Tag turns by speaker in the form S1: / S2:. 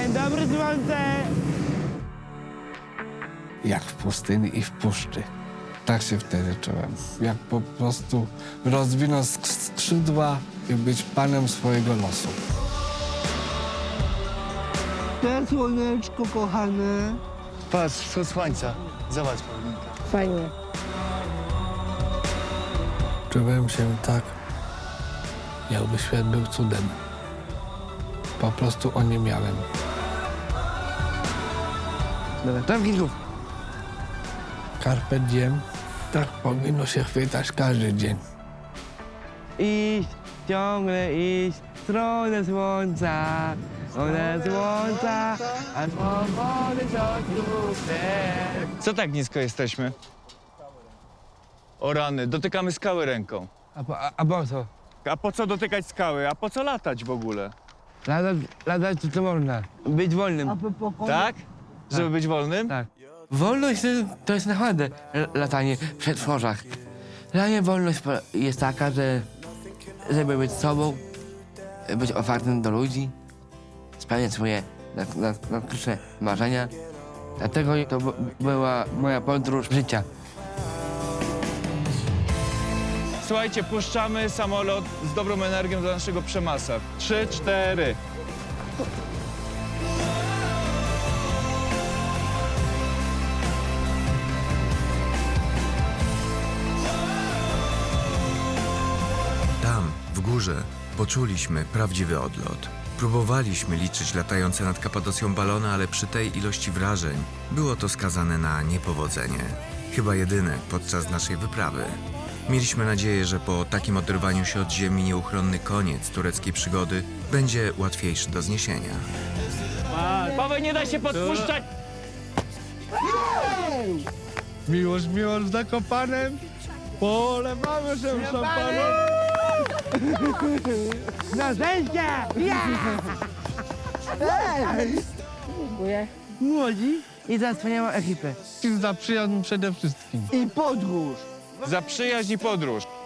S1: Dzień dobry, słońce!
S2: Jak w pustyni i w puszczy. Tak się wtedy czułem. Jak po prostu rozwinąć skrzydła i być panem swojego losu.
S1: Cześć, słoneczko kochane.
S3: Patrz, wschód słońca. Zobacz, Paulinka.
S4: Fajnie.
S2: Czułem się tak, jakby świat był cudem. Po prostu o nie miałem.
S1: Dobra, tam kilków.
S2: Carpe diem, tak powinno się chwytać każdy dzień.
S1: Iść, ciągle iść w stronę słońca. Stronę słońca, a powody
S3: Co tak nisko jesteśmy? O rany, dotykamy skały ręką.
S1: A po co?
S3: A po co dotykać skały? A po co latać w ogóle?
S1: Latać to można. Być wolnym.
S3: Tak? Żeby być wolnym?
S1: Tak. Wolność to jest naprawdę latanie w przedworzach. Dla mnie wolność jest taka, żeby być sobą, być otwartym do ludzi, spełniać swoje najkrótsze marzenia. Dlatego to była moja podróż życia.
S3: Słuchajcie, puszczamy samolot z dobrą energią do naszego przemasa. 3, 4.
S5: Tam, w górze, poczuliśmy prawdziwy odlot. Próbowaliśmy liczyć latające nad Kapadocją balony, ale przy tej ilości wrażeń było to skazane na niepowodzenie. Chyba jedyne podczas naszej wyprawy. Mieliśmy nadzieję, że po takim oderwaniu się od ziemi nieuchronny koniec tureckiej przygody będzie łatwiejszy do zniesienia.
S3: Paweł, nie da się podpuszczać!
S2: Miłość z Zakopanem, polewamy się szampanem.
S1: Na szczęście!
S4: Dziękuję.
S1: Młodzi i za wspaniałą ekipę.
S2: Za przyjazd przede wszystkim.
S1: I podróż.
S3: Za przyjaźń i podróż.